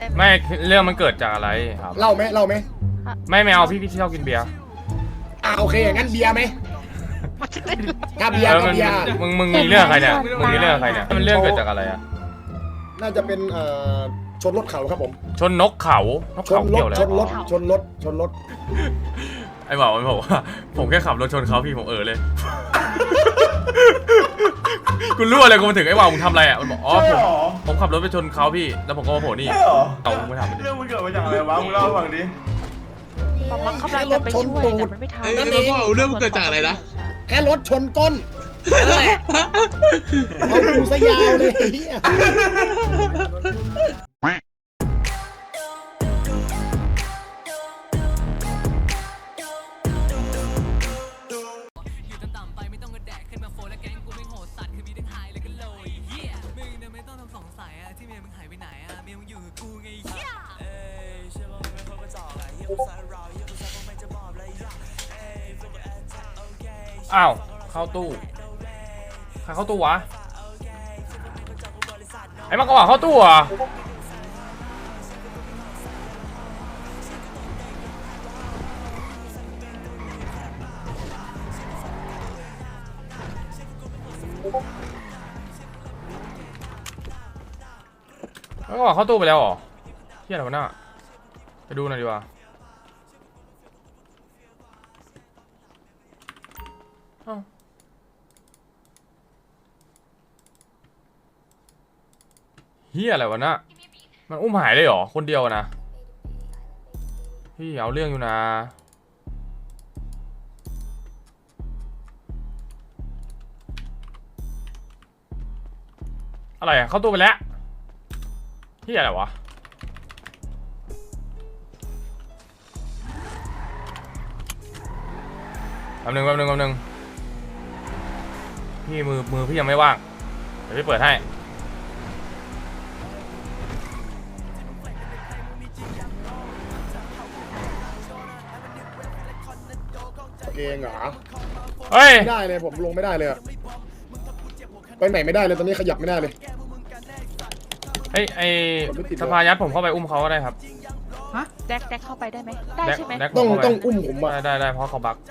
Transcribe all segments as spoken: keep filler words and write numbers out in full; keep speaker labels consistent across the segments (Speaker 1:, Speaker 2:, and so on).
Speaker 1: ไม่เรื่องมันเกิดจากอะไรครับ
Speaker 2: เล่าไหมเล่าไหม
Speaker 1: ไม่ไม่เอาพี่พี่ชอบกินเบียร์
Speaker 2: อ่าโอเคงั้นเบียร์ไหมถ้าเบียร์
Speaker 1: เออ
Speaker 2: ก็
Speaker 1: มัน
Speaker 2: เบียร์
Speaker 1: มึงมึงมีเรื่องใครเนี่ยมึงมีเรื่องใครเนี่ยมันเรื่องเกิดจากอะไรอะ
Speaker 2: น่าจะเป็นเอ่อชนรถเขาครับผม
Speaker 1: ชนนกเขานก
Speaker 2: ช
Speaker 1: เขา
Speaker 2: นร
Speaker 1: เกี่
Speaker 2: ถ
Speaker 1: ยวอะไร
Speaker 2: ชนรถ
Speaker 1: อ๋อ
Speaker 2: ชนรถชนรถ
Speaker 1: ไอ้บอกมันบอกว่าผมแค่ขับรถชนเขาพี่ผมเออเลย กูรู้อะไรกูมาถึงไอ้บ่าวมึงทำอะไรอ่ะมันบอกอ๋อผมผมขับรถไปชนเขาพี่แล้วผมก็มาโผล่นี่เอามึงไม่ทำ
Speaker 3: เรื่องมันเกิดมาจากอะไรวะมึงเล่าให้ฟังดิ
Speaker 4: ป๊าป๊าเขากำลังจะไปช่วยแต่มันไม่ทัน
Speaker 5: เอ้ยแล้วก็เรื่องมันเกิดจากอะไรนะ
Speaker 2: แค่รถชนก้นนั่นแหละเอาดูซะยาวเลยเหี้ย
Speaker 1: อ้าวเข้าตู้ใครเข้าตู้วะไอ้มันก็บอกเข้าตู้อ่ะมันก็บอกเข้าตู้ไปแล้วเหรอเฮียอะไรวะน่ะไปดูหน่อยดีกว่าเฮียอะไรวะน่ะมันอุ้มหายเลยเหรอคนเดียวนะพี่เอาเรื่องอยู่นะอะไรอะเข้าตู้ไปแล้วเฮียอะไรวะแป๊บนึงแป๊บนึงแป๊บนึงพี่มือมือพี่ยังไม่ว่างเดี๋ยวพี่เปิดให้
Speaker 2: เองเหรอ
Speaker 1: เฮ้ย
Speaker 2: ไม่ได้เลยผมลงไม่ได้เลยอะไปไหนไม่ได้เลยตอนนี้ขยับไม่ได้เลย
Speaker 1: ไอไอสภายัดผมเข้าไปอุ้มเขาก็ได้ครับ
Speaker 4: แจ็คแจ็คเข้าไปได้ไหมได้ใช่ไหม
Speaker 1: แดก
Speaker 2: ต้อง
Speaker 1: ผมเข้าไป
Speaker 2: ต้องอุ้มผมอะ
Speaker 1: ได้ได้ได้เพราะเขาบัก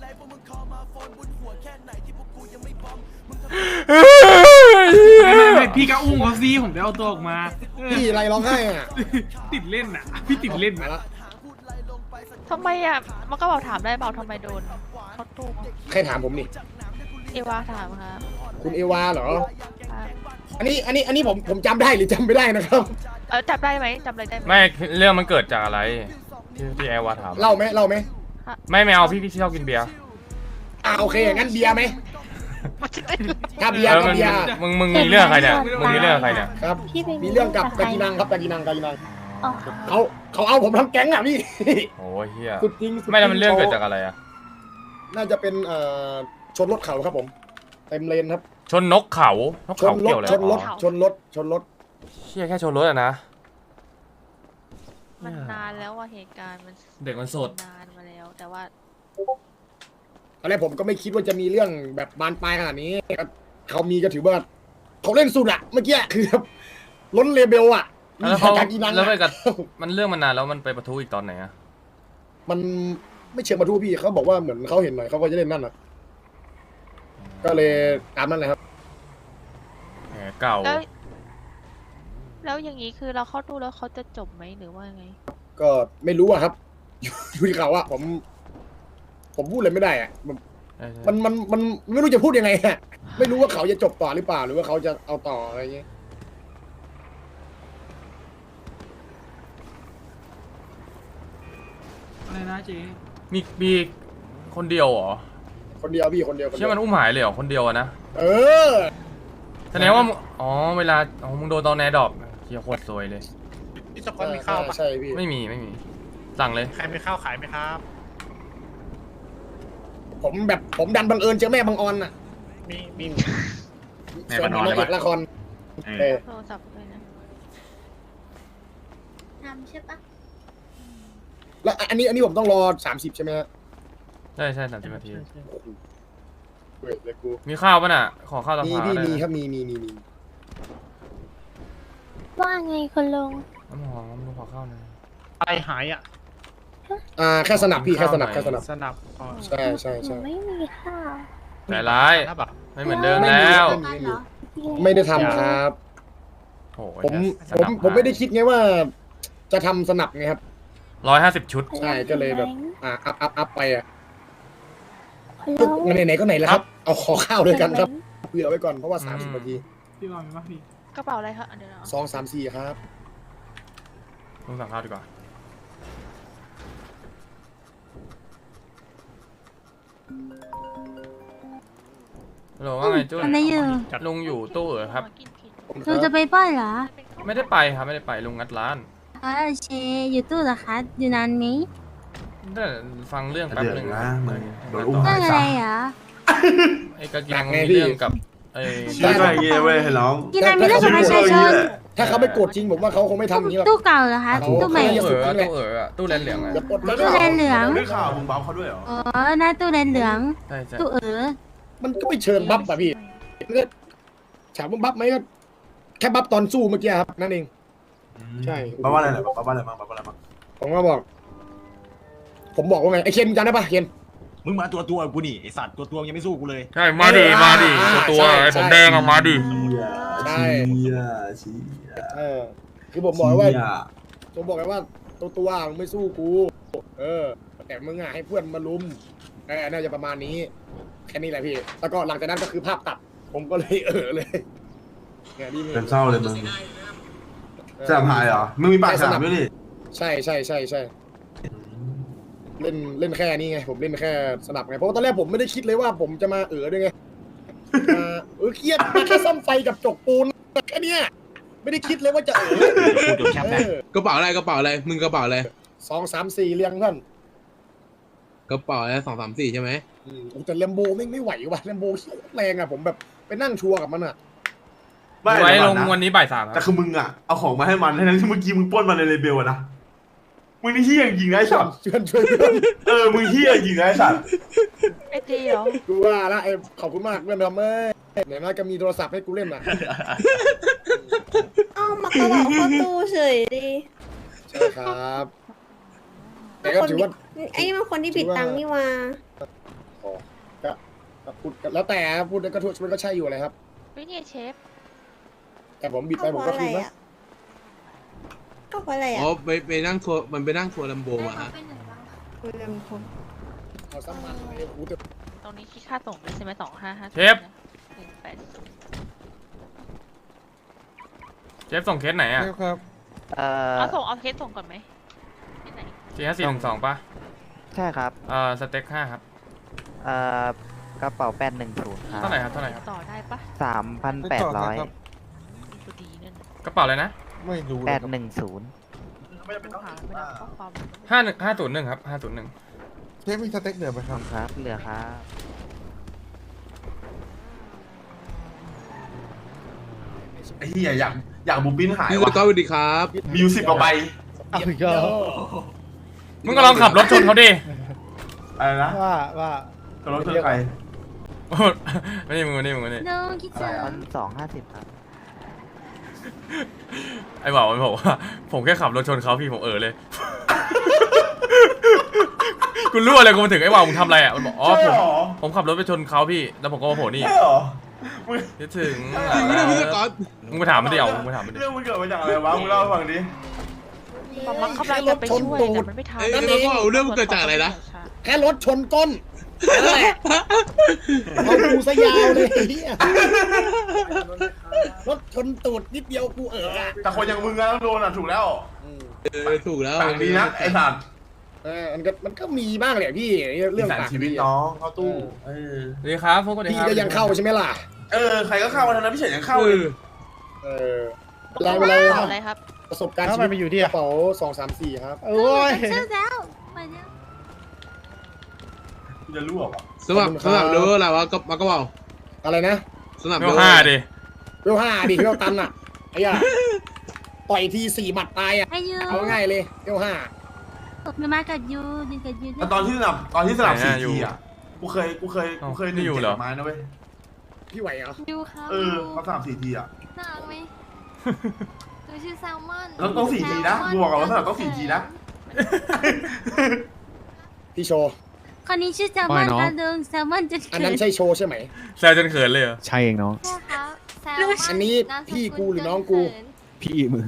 Speaker 6: ไม่ไม่พี่ก็อุ้มเขาซีผมจะเอาตัวออกมา
Speaker 2: พี่อะไรร้องไห้อะ
Speaker 6: ติดเล่นอ่ะ พี่ติดเล่น
Speaker 2: มา
Speaker 6: อ่ะ
Speaker 2: ละ
Speaker 4: ทำไมอ่ะมันก็บอกถามได้เปล่าทำไมโดนเขาตู้
Speaker 2: ใครถามผมนี่
Speaker 4: เอวาถามครับ
Speaker 2: คุณเอวาเหรอ
Speaker 4: ครับ
Speaker 2: อันนี้อันนี้อันนี้ผมผมจำได้หรือจำไม่ได้นะครับ
Speaker 4: เออจับได้ไหมจับอะไรได้ไหม
Speaker 1: ไม่เรื่องมันเกิดจากอะไรที่ที่แอร์วาถาม
Speaker 2: เล่าไหมเล่าไหม
Speaker 1: ไม่ไม่เอาพี่พี่ชอบกินเบียร์
Speaker 2: อ่าโอเคงั้นเบียร์ไหมถ้าเบีย
Speaker 1: เอ
Speaker 2: ร์
Speaker 1: อ
Speaker 2: ก็
Speaker 1: มัน
Speaker 2: เบียร์
Speaker 1: มึงมึงมีเรื่องใครเนี่ยมึงมีเรื่องใครเนี่ย
Speaker 2: ครับ
Speaker 7: พี่ไป
Speaker 2: มีเรื่องกับกากีนังครับกากีนังกากีนัง
Speaker 7: อ๋อ
Speaker 2: เขาเขาเอาผมทั้งแก๊งอ่ะพี่
Speaker 1: โอ้ยเฮีย
Speaker 2: สุดจริงสุดจ
Speaker 1: ไม่แล้วมันเรื่องเกิดจากอะไรอะ
Speaker 2: น่าจะเป็นเอ่อชนรถเขาครับผมเต็มเลนครับ
Speaker 1: ชนนกเขานก
Speaker 2: ชน
Speaker 1: เขา
Speaker 2: ร
Speaker 1: เกี่
Speaker 2: ถ
Speaker 1: ยวอะไร
Speaker 2: ชนรถ
Speaker 1: อ๋อ
Speaker 2: ชนรถชนรถ
Speaker 1: เชี่ยแค่ชนรถอะนะ
Speaker 4: มันนานแล้วว่าเหตุการณ์มัน
Speaker 1: เด็กมันสด
Speaker 4: นานมาแล้ว แต่ว่า
Speaker 2: ตอนแรกผมก็ไม่คิดว่าจะมีเรื่องแบบบานปลายขนาดนี้เขามีก็ถือว่าเขาเล่นสุดอะเมื่อกี้คือล้นเลเบลอะมี
Speaker 1: แล้วเขา
Speaker 2: กากีนัง
Speaker 1: แล้วไป
Speaker 2: อะ
Speaker 1: กับมันเรื่องมันนานแล้วมันไปประทุอีกตอนไหนอะ
Speaker 2: มันไม่เชิงมาทูพี่เขาบอกว่าเหมือนเขาเห็นหน่อยเขาก็จะเล่นนั่นอะก็เลยตามนั่นแหละครับ
Speaker 1: แหมเก่า
Speaker 4: แล้ว แล้วอย่างนี้คือเราเข้าตู้แล้วเขาจะจบไหมหรือว่าไง
Speaker 2: ก็ไม่รู้อะครับ อยู่อยู่ที่เขาอะผม ผมพูดเลยไม่ได้อะมัน
Speaker 1: ใช่ใช่
Speaker 2: มันมันมันไม่รู้จะพูดยังไงอะไม่รู้ว่าเขาจะจบต่อหรือเปล่า หรือว่าเขาจะเอาต่ออะไรอย่างเงี้ย
Speaker 6: อะไรนะเจ๊
Speaker 1: มีมีคนเดียวเหรอ
Speaker 2: คนเดียวพี่คนเดียวคนเดี
Speaker 1: เชื่อมันอุ้มหายเลยเหรอคนเดียวอะนะ
Speaker 2: เออ
Speaker 1: แสดงว่ามึงอ๋อเวลาอ๋อมึงโดนตอนแนดรอปเฮียโคตรซวยเลย
Speaker 3: พี่สปอนมีข้าวปะ
Speaker 2: ใช่พี่
Speaker 1: ไม่มีไม่มี สั่งเลย
Speaker 3: ใครมีข้าวขายไหมครับ
Speaker 2: ผมแบบผมดันบังเอิญเจอแม่บังออนอะ
Speaker 3: มีมี
Speaker 2: แม่บังออนนางเอกละครเออ
Speaker 4: โทรศัพท์ด้วยนะ
Speaker 7: ทำใช่ปะ
Speaker 2: แล้วอันนี้อันนี้ผมต้องรอสามสิบใช่ไหมฮะ
Speaker 1: ใช่ใช่สามสิบนาที
Speaker 2: เว้ยเลยกู
Speaker 1: มีข้าวป่ะน่ะ ขอข้าวตะ
Speaker 2: มี
Speaker 1: พา
Speaker 2: พี่
Speaker 1: ได้
Speaker 2: มี
Speaker 1: นะ
Speaker 2: ครับมีมีมีมี
Speaker 7: ว่าไงคุณลุง
Speaker 1: น้ำหอมลุงขอข้าวหน่อย
Speaker 3: อะไรหายอ่ะ
Speaker 2: อ่าแค่สนับพี่แค่สนับแค่สนับ
Speaker 3: สนับอ๋อ
Speaker 2: ใช่ใช่ใช่
Speaker 7: ไม่มีข้าว
Speaker 1: ใจร้าย
Speaker 3: สนับอ่ะ
Speaker 1: ไม่เหมือนเดิมแล้ว
Speaker 2: ไม่มีไม่ได้ทำครับ
Speaker 1: โอ้ย
Speaker 2: ผมผมผมไม่ได้คิดไงว่า จะทำสนับไงครับ
Speaker 1: ร้อยห้าสิบชุด
Speaker 2: ใช่ก็เลยแบบ อ่าอัพอัพอัพไปอ่ะ
Speaker 7: แล้ว
Speaker 2: งั้นไหนๆก็ไหนแล้วครับ เอาขอข้าวด้วยกันครับเผื่อไว้ก่อนเพราะว่าสามสิบนาที
Speaker 6: พี่ว่ามีปะพี่
Speaker 4: กระเป๋าอะไรคะอันเดียวนะ
Speaker 2: สองสามสี่ครับ
Speaker 1: ลุงสั่งข้าวดีกว่าฮัลโหลว่าไงจุ้น
Speaker 7: อะไรอยู่
Speaker 1: ลุงอยู่ตู้เหรอครับ
Speaker 4: กินผิด
Speaker 2: ผมค
Speaker 7: เรา
Speaker 2: รับ
Speaker 7: จะไปป้อนเหรอ
Speaker 1: ไม่ได้ไปครับไม่ได้ไปลุงงัดร้าน
Speaker 7: อ๋อโอเคอยู่ตู้เหรอคะอยู่นานไหม
Speaker 1: ได้ฟังเรื่องแป๊บ
Speaker 8: เดือด
Speaker 1: หนึง
Speaker 8: นะมึงโดน
Speaker 1: ไ
Speaker 8: อุ้ม
Speaker 7: เรื่องอะไรเหรอ
Speaker 1: อ้กางเกงมีเรื่องกับไอ้
Speaker 8: ช่วยด้วยเงี้ยเว้ยให้น้อง
Speaker 7: กินอะไรมีเรื่องกับประชาชน
Speaker 2: ถ้าเขาไม่โกรธจริงผมว่าเขาคงไม่ทำอย่างนี้หรอก
Speaker 7: ตู้เก่าเหรอคะตู้ใหม่
Speaker 1: ตู้เอ๋อตู้เอ๋อตู้แลนเหลืองอะ
Speaker 2: อย่าปลดเลย
Speaker 7: ตู้แลนเหลือง
Speaker 8: ได้ข่าวมึงบัฟเขาด้วยเหรอ
Speaker 7: อ๋อหน้าตู้แลนเหลือง
Speaker 1: ใช่ใช่
Speaker 7: ตู้เออ
Speaker 2: มันก็ไม่เชิงบัฟอะพี่มันก็ถามว่าบัฟไหมก็แค่บัฟตอนสู้เมื่อกี้ครับนั่นเอง ใช่
Speaker 8: บัฟว่าอะไรเหรอบัฟว่าอะไรบ้างบัฟว่าอะไรบ้าง
Speaker 2: ผมก็บอก ผมบอกว่าไงไอ้เคนจำได้ปะเคน
Speaker 9: มึงมาตัวตัวกูนี่ไอสัตว์ตัวตัวยังไม่สู้กูเลย
Speaker 1: ใช่มาดิมาดิ
Speaker 2: อ่า
Speaker 1: ตัว
Speaker 2: ใช่
Speaker 1: ไอ้ผม
Speaker 2: ใช่
Speaker 1: แดงอะมาดิ
Speaker 2: ใช่
Speaker 8: เชี่ยเชี่ย
Speaker 2: เออคือผมบอกไว้ว่า
Speaker 8: เชี่ย
Speaker 2: ผมบอกไว้ว่าตัวตัวมึงไม่สู้กู เออ แต่มึงอ่ะให้เพื่อนมาลุมเออน่าจะประมาณนี้แค่นี้แหละพี่ แล้วก็หลังจากนั้นก็คือภาพตัด ผมก็เลยเออเลยเนี่ยนี่มึง
Speaker 8: เป็นเศร้าเลยมึงสนามหายเหรอมึงมีปากสนามด้วยนี่
Speaker 2: ใช่ใช่ใช่ใช่เล่นเล่นแค่นี้ไง ผมเล่นแค่สนับไงเพราะว่าตอนแรกผมไม่ได้คิดเลยว่าผมจะมาเออด้วยไงมาเออเครียดมาแค่ซ่อมไฟกับจกปูนแค่เนี้ยไม่ได้คิดเลยว่าจะเออ
Speaker 9: กูเดี๋ยวแคป
Speaker 2: เอ
Speaker 9: นะ
Speaker 2: อก
Speaker 5: ระเป๋าอะไรกระเป๋าอะไรมึงกระเป๋าอะไร
Speaker 2: สองสามสี่เรียงเพื่อน
Speaker 5: กระเป๋าอะไรสองสามสี่ใช่ไหม
Speaker 2: อืมแต่แลมโบไม่ไม่ไหวว่ะแลมโบแรงอ่ะผมแบบไปนั่งชัวร์กับมันอ่ะ
Speaker 8: ไม่
Speaker 1: ไว้
Speaker 8: เดี๋ยว
Speaker 1: ล
Speaker 8: ก่อง น
Speaker 1: วัน
Speaker 8: นะ
Speaker 1: นี้บ่ายสามค
Speaker 8: แต่
Speaker 1: รับ
Speaker 8: คือมึงอ่ะเอาของมาให้มันทั้งที่เมื่อกี้มึงปล้นมันในเลเบลอะนะมึงนี่เฮี้ยจริงนะไอ้สัตว์
Speaker 2: เชิญช่วยเพื่อน
Speaker 8: เออมึงเฮี้ยจริงนะไอ้สัตว์
Speaker 4: ไอจีเหรอ
Speaker 2: กูว่าละไอ้ขอบคุณมากเพื่อนทำเอ้ยไหนมาก็มีโทรศัพท์ให้กูเล่นอ่ะ
Speaker 10: เอ้ามากระบอกเข้าตู้เฉยดิ
Speaker 2: ใช่ครับแต่ก็ถือว่า
Speaker 10: ไอ้นี่มันคนที่ผิดตังค์นี่ว่า
Speaker 2: อ๋อก็ก็พูดแล้วแต่พูดแล้วก็ทุกมันก็ใช่อยู่เลยครับ
Speaker 4: วิเนี่ยเชฟ
Speaker 2: แต่ผมบิดไป
Speaker 10: ก็
Speaker 2: ผม
Speaker 10: เพ
Speaker 2: ก็
Speaker 10: ราะอะ
Speaker 2: คื
Speaker 10: ไร
Speaker 2: นนะ
Speaker 10: อ่ะก็เพราะอะไร
Speaker 5: อ๋อ
Speaker 10: อ่ะ
Speaker 5: ไปไปนั่งทัวร์มันไปนั่งทัวร์ลัมโบมาฮะ
Speaker 10: คุยกันคน
Speaker 2: เอาซ้ำมันเลยกูแต่
Speaker 4: ตรงนี้คิดค่าส่งด้วยใช่ไหมสองห้าห้า
Speaker 1: เชฟ
Speaker 4: หนึ่งแปด
Speaker 1: เชฟส่งเคสไหนอะ
Speaker 11: เอ่อ
Speaker 4: เอาส่งเอาเคสส่งก่อนไหมที่ไหน
Speaker 1: สี่ห้าสี่หนึ่งสองป่ะ
Speaker 11: ใช่ครับ
Speaker 1: เอ่อสเต็กห้าครับ
Speaker 11: เอ่อกระเป๋าแปดหนึ่งศูนย์ครับ
Speaker 1: เท่าไหร่ครับเท่าไหร่ครับ
Speaker 4: ต่อได้ปะ
Speaker 11: สามพันแปดร้อย
Speaker 4: ดูดีเนี่ยนะ
Speaker 1: กระเป๋าอะไรนะ
Speaker 11: แปดหนึ่งศูนย์
Speaker 4: ดูหาไม่ได้ข้อความ
Speaker 1: ห้าหนึ่งห้าศูนย์หนึ่งครับห้าศูนย์หนึ่ง
Speaker 11: ครับเหลือครับ
Speaker 8: ไอ้เฮี้ยอยากอยากบูปิ้นหาย
Speaker 5: พี่ส
Speaker 8: ว่ะ
Speaker 5: กอตสวัสดีครับ
Speaker 8: มีอยู่สิบกว่าใบ
Speaker 1: มึงก็ลองขับรถชนเขาดิ
Speaker 8: อะไรนะ
Speaker 2: ว่าว่า
Speaker 8: ตัวรถคือใคร
Speaker 1: โอ้ไม่นี่มึงไม่นี่มึงไม่นี่
Speaker 7: น้องคิด
Speaker 11: ส
Speaker 7: ถึ
Speaker 11: อง
Speaker 7: ง
Speaker 11: พันสองห้าสิบครับ
Speaker 1: ไอ้บอกมันบอกว่าผมแค่ขับรถชนเขาพี่ผมเออเลย กูรู้อะไรกูมาถึงไอ้ว่ามึงทำอะไรอ่ะมันบอกอ๋อผมผมขับรถไปชนเขาพี่แล้วผมก็มาโผล่นี่
Speaker 8: ใช่เหรอมึง
Speaker 1: คิดถึง
Speaker 5: จริงไหมเนี่ยพี่สกอต
Speaker 1: มึงไปถามมันดิเอามึงไปถามมันดิ
Speaker 8: เรื่องมันเกิดมาจากอะไรวะมึงเล่าให้ฟังดิ
Speaker 4: มันมันกำลังจะไปช่วยแต่มันไม่ทัน
Speaker 5: เอ้ยแล้วก็เอาเรื่องมันเกิดจากอะไรนะ
Speaker 2: แค่รถชนก้นนั่นแหละเอากูซะยาวเลยเหี้ยรถชนตูดนิดเดียวกูเอออะ
Speaker 8: แต่คนอย่างมึงอะต้องโดนอ่ะถูกแล้ว
Speaker 2: อืม
Speaker 5: เออถูกแล้ว
Speaker 8: ต่างดีนะไอ้สัตว์
Speaker 2: เออมันก็มันก็มีบ้างแหละพี่เรื่อง
Speaker 8: สาร
Speaker 2: ต่าง
Speaker 8: ชีวิตน้องเข้าตู้เออ
Speaker 1: สวัสดีครับพวกคนดี
Speaker 2: พี่
Speaker 1: ครับ
Speaker 2: ก็ยังเข้าใช่ไหมล่ะ
Speaker 8: เออใครก็เข้ามาทั้งนั้นพี่เฉินยังเข้า
Speaker 5: เอ
Speaker 8: เลย
Speaker 5: อ
Speaker 2: เออเวลาเวลา
Speaker 4: เอาอะไรครับ
Speaker 2: ประสบการณ์ชีวิตอยู่ที่กระเป๋าสองสามสี่ครับ
Speaker 7: โอ้ยเชื่อแล้วไปแล้ว
Speaker 8: กูจะรั่ววะ
Speaker 5: สมัครสมัครดูอะไรวะก็มากระเป๋า
Speaker 2: อะไรนะ
Speaker 5: สมัคร
Speaker 1: เบ
Speaker 5: ดู
Speaker 1: ลห้าดิ
Speaker 2: เวลห้าดิเวลตันอ่ะไอ้ย่าต่อยทีสี่หมัดตายอ่ะ
Speaker 7: อายุ
Speaker 2: เอาง่ายเลยเวลห้า
Speaker 7: มามากับยูดิกับยู
Speaker 8: แต่ตอนที่สนับตอนที่สนับสี่ทีอ่ะกูเคยกูเคยกูเคยหนึ่งเจ็ดไม้นะเว้ย
Speaker 2: พี่ไหวเหรอ
Speaker 7: ยูครับ
Speaker 8: เออเขาสนับสี่ทีอ่ะ
Speaker 7: น่ารักไหม
Speaker 10: นูชื่อแซลมอน
Speaker 8: ต้องต้องสี่จีนะกูบอกก่อนว่าสลับต้องสี่จีนะ
Speaker 2: พี่โชว์
Speaker 7: คนนี้ชื่อแซลมอนค่ะลุงแซลมอนจะ
Speaker 2: อันนั้นใช่โชว์ใช่ไหม
Speaker 1: แซวจนเขินเลยเหรอ
Speaker 11: ใช่เองน้อง
Speaker 10: ใช่ครับแซลมอน
Speaker 2: อันนี้พี่กูหรือน้องกู
Speaker 11: พี่มึง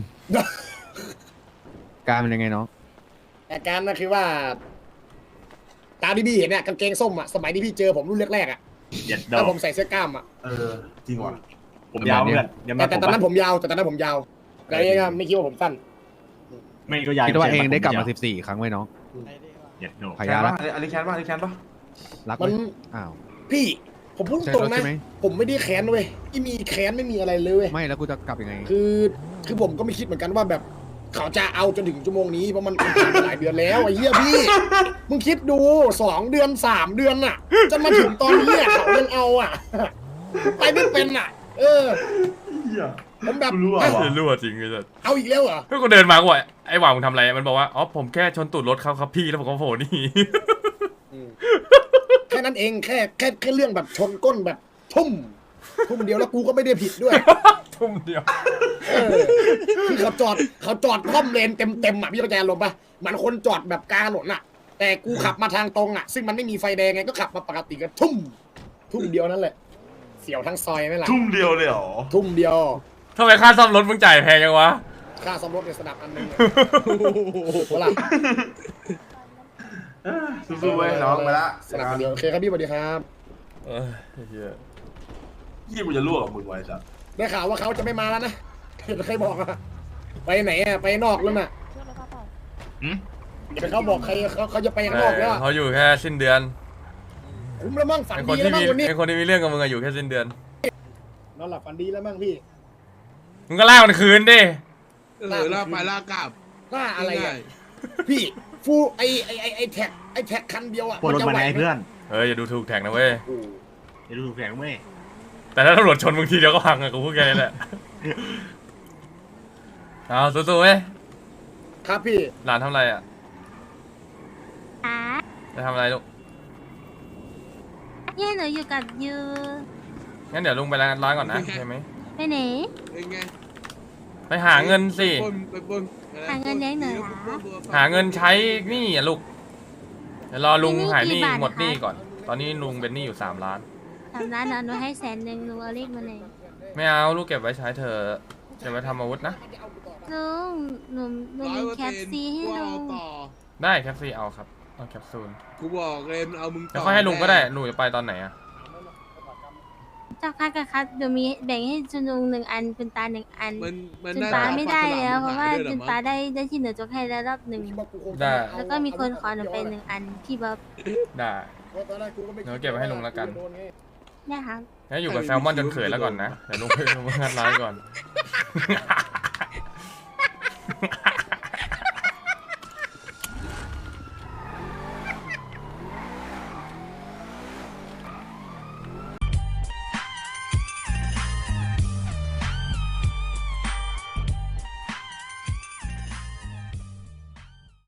Speaker 11: การเป็นยังไงน้อง
Speaker 2: อาการนะคือว่าตามที่พี่เห็นเนี่ยกางเกงส้มอ่ะสมัยที่พี่เจอผมรุ่นแรกๆอ่ะ
Speaker 9: เย็ดด
Speaker 2: แล้
Speaker 9: อ
Speaker 2: ว
Speaker 9: ก
Speaker 2: ผมใส่เสื้อกล้ามอ่ะ
Speaker 8: เออจริงว่ะ
Speaker 9: ผมยาวเพื่อนเดี๋ยว
Speaker 2: แต่
Speaker 9: มา
Speaker 2: แต่ตอนนั้นผมยาวแต่ตอนนั้นผมยาวแต่เองอะไม่คิดว่าผมสั้น
Speaker 9: ไม่ก็ยาว
Speaker 11: คิดว่าเองได้กลับมาสิบสี่ครั้งไหมน้อง
Speaker 9: เย็ดดอก
Speaker 11: พ
Speaker 8: แคน
Speaker 11: ยา
Speaker 8: ปะ
Speaker 11: ละ
Speaker 8: อันนี้แคนปะอันนี้แคนปะ
Speaker 11: รักไห
Speaker 2: มั
Speaker 11: ม
Speaker 2: น
Speaker 11: อ้าว
Speaker 2: พี่ผมพูด
Speaker 11: ใช่
Speaker 2: ตรง
Speaker 11: รถ
Speaker 2: นะ
Speaker 11: ใช่ไหม
Speaker 2: ผมไม่ได้แค้นเว้ยที่มีแค้นไม่มีอะไรเลยเว้ย
Speaker 11: ไม่แล้วกูจะกลับยังไง
Speaker 2: คือคือผมก็ไม่คิดเหมือนกันว่าแบบเขาจะเอาจนถึงชั่วโมงนี้เพราะมันผ่านมาหลายเดือนแล้วไอ้เหี้ยพี่มึงคิดดูสองเดือนสามเดือนน่ะจนมาถึงตอนนี้อะเขายังเอาอ่ะไปไม่เป็นอ่ะ เออ
Speaker 8: เหี้ย
Speaker 2: ผมแบบ
Speaker 8: กูรู้อะ
Speaker 2: เอ้ย
Speaker 8: ว่ะ
Speaker 1: รั่วจริงเลยสัส
Speaker 2: เอาอีกแล้วเหรอ
Speaker 1: เพื่อนกูเดินมากูบอกไอ้หว่างมึงทำอะไรมันบอกว่าอ๋อผมแค่ชนตูดรถเขาครับพี่แล้วผมก็โผล่นี่
Speaker 2: แค่นั้นเองแค่แค่แค่เรื่องแบบชนก้นแบบทุ่มทุ่มเดียวแล้วกูก็ไม่ได้ผิดด้วย
Speaker 1: ทุ่มเดียว
Speaker 2: เออคือเขาจอดเขาจอดคล่อมเลนเต็มเต็มๆอ่ะพี่เข้าใจอารมณ์ปะเหมือนคนจอดแบบกลางถนนอ่ะ แต่กูขับมาทางตรงอ่ะซึ่งมันไม่มีไฟแดงไงก็ขับมาปกติก็ทุ่ม ทุ่มเดียวนั่นแหละ เสียวทั้งซอยไหมล่ะ
Speaker 8: ทุ่มเดียวเลยเหรอ
Speaker 2: ทุ่มเดียว
Speaker 1: ทำไมค่าซ่อมรถมึงจ่ายแพงจังวะ
Speaker 2: ค่าซ่อมรถในสนับอันหนึงเนี่ยเวลา
Speaker 8: เออสู้ๆเว้ยน้องไปละ
Speaker 2: สนับอันเดียวโอเคครับพี่สวัสดีครับ
Speaker 1: เออเหี้ย
Speaker 8: ยี่กูจะรั่วกับมึงไว้จ้ะ
Speaker 2: ได้ข่าวว่าเขาจะไม่มาแล้วนะเห็นใครบอกอะไปไหนอะไปนอกแล้วน่ะ
Speaker 4: เรื่องอะไรบ้างเปล่า
Speaker 9: หืม
Speaker 2: เดี๋ยวเขาบอกใครเขาเขาจะไปข้างนอกแล้วอะ
Speaker 1: เขาอยู่แค่สิ้นเดือน
Speaker 2: คุ้มแล้วมั่งฝัน
Speaker 1: ไอ้คน
Speaker 2: ดี
Speaker 1: ที่
Speaker 2: แล้วมั่
Speaker 1: มี
Speaker 2: งวันนี้
Speaker 1: ไอ้คนที่มีเรื่องกับมึงอะอยู่แค่สิ้นเดือน
Speaker 2: นอนหลับฝันดีแล้วมั่งพี่
Speaker 1: มึงก็ลากมันคืนดิ
Speaker 5: เออลากไปลากกลับ
Speaker 2: หน้าอะไร
Speaker 5: ง่า
Speaker 2: อะ
Speaker 5: ย
Speaker 2: พี่ฟูไอไอไอไอแท็กไอแท็กคันเดียวอะ
Speaker 9: ปวดรถ
Speaker 2: จะ
Speaker 9: มา
Speaker 2: ไหว
Speaker 9: ไหน
Speaker 2: ไหม
Speaker 9: เพื่อน
Speaker 1: เฮ้ยอย่าดูถูกแท็กนะเว้ย
Speaker 2: โอ้
Speaker 9: เดี๋ยวดูถูกแข่งเว้ย
Speaker 1: แต่ถ้าตำรวจชนมึงทีเดียวก็พังอะกูพูดแค่นี้แหละ เอาสู้ๆเว้ย
Speaker 2: ครับพี่
Speaker 1: หลานทำอะไรอะ
Speaker 7: อ่ะ
Speaker 1: จะทำอะไรลูก
Speaker 7: เนี่ยหนูอยู่กับยู
Speaker 1: งั้นเดี๋ยวลุงไปร้านร้านก่อนนะใช่ไหม
Speaker 7: ไปไหน
Speaker 5: เป็นไง
Speaker 1: ไปหาเงินสิ
Speaker 5: ปล้นไปปล้น
Speaker 7: หาเงินเลี้ยงหน่อยเหรอ
Speaker 1: หาเงินใช้หนี่อะลูก เดี๋ยวรอลุง
Speaker 7: มีหนี้
Speaker 1: หายหนี้
Speaker 7: กี่บาท
Speaker 1: หมดหนี้
Speaker 7: นะคะ
Speaker 1: ก่อน ตอนนี้ลุงเป็นหนี้อยู่สามล้าน
Speaker 7: ทำร้านหนูให้แสนหนึ่งลุงเอาเลขมาเลย
Speaker 1: ไม่เอาลูกเก็บไว้ใช้เธอะเก็บไว้ทำอาวุธนะ
Speaker 7: ลุงหนูหนู
Speaker 5: ร้อย
Speaker 7: มี
Speaker 5: เปอร์
Speaker 7: แคป
Speaker 5: เซ็นต์
Speaker 7: ซีให้
Speaker 5: กู
Speaker 7: ลุ
Speaker 5: เอา
Speaker 7: ง
Speaker 5: ต่อ
Speaker 1: ได้แคปซีเอาครับ เอาแคปซูล
Speaker 5: กูบอกเลยมันเอามึงต่
Speaker 1: แล้วค่อยให้ลุงก็ได้หนูจะไปตอนไหนอะ
Speaker 7: เจ้าค่ะกับครับเดี๋ยวมีแบ่งให้จุนลุงหนึ่งอันจุนตาหนึ่งอัน
Speaker 5: มันมัน
Speaker 7: จุน
Speaker 5: น่า
Speaker 7: ตา
Speaker 5: จะ
Speaker 7: ไม่ได้แล้วเพราะว่า
Speaker 5: ฝกสลก
Speaker 7: จุน
Speaker 5: มึง
Speaker 7: ตา
Speaker 5: หยด้วยเหรอมั้ง
Speaker 7: ได้ได้ที่เหนือจกให้แล้วรอบหนึ่ง
Speaker 1: ได้
Speaker 7: แล้วก็มีคนขอหนูไปหนึ่งอันพี่บ๊อบ
Speaker 1: ได้
Speaker 2: ตอนแรกกูก็ไม่คิ
Speaker 1: เดี๋ยวเก็บไว้ให้ลุงแล้วกัน
Speaker 2: โดไง
Speaker 7: เนี่ยครับ
Speaker 1: งั้นอยู่กับแซลมอนจนเขินแล้วก่อนนะ เดี๋ยวลุงไปลุงงานร้านก่อน